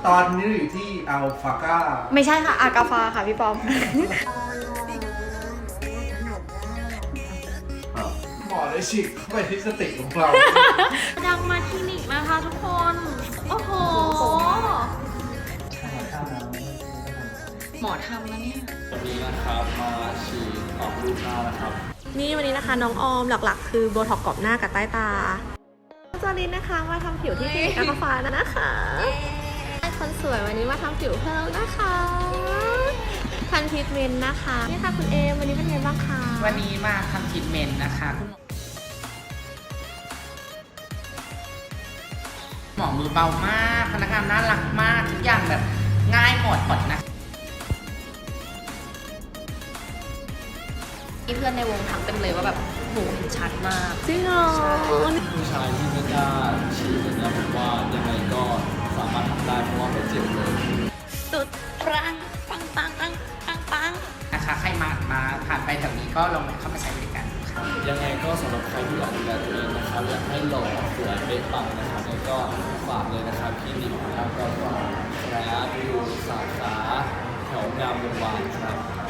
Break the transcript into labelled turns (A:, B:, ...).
A: ตอนนี้อยู่ที่อัลฟาก้า
B: ไม่ใช่ค่ะอากาฟาค่ะพี่ปอม
A: หมอได้ฉีกเข้าไปที่สติของเรา
B: ดังมาคลินิกนะคะทุกคน โอ้โห หมอทำนะเนี่ย
C: วันนี้นะครับมาฉีดออกรูปหน้านะครับ
B: นี่วันนี้นะคะน้องออมหลักๆ คือโบท็อกซ์กรอบหน้ากับใต้ตาจารินนะคะมาทำผิวที่คลินิกอัลฟานะคะคนสวยวันนี้มาทำผิวเพิ่มนะคะพันทรีทเมนต์นะคะนี่ค่ะคุณเอมวันนี้เป็นไงบ้างคะ
D: วันนี้มาทำทรีทเมนต์นะคะคุณหมอมือเบามากพนักงานน่ารักมากทุกอย่างแบบง่ายหมดนะ
B: มีเพื่อนในวงถามเต็มเลยว่าแบบหนูเห็นชัดมากจริงเหรอ
C: ผู้ชายที่ไม่กล้าฉีดเนี่ยผมว่ายังไงก็สามารถทำได้เพราะว่าไม่เจ็บเลย
B: สุดปังปังปังปังปังปัง
D: นะคะใครมาผ่านไปแถวนี้ก็ลองแวะเข้ามาใช้บริการค่ะ
C: ยังไงก็สำหรับใครที่อยากดูแลตัวเองนะครับอยากให้หล่อสวยเป๊ะปังนะครับแล้วก็ฝากเลยนะครับคลินิกนะครับก็แร้อยู่สาขาแถวงามวงวานครับ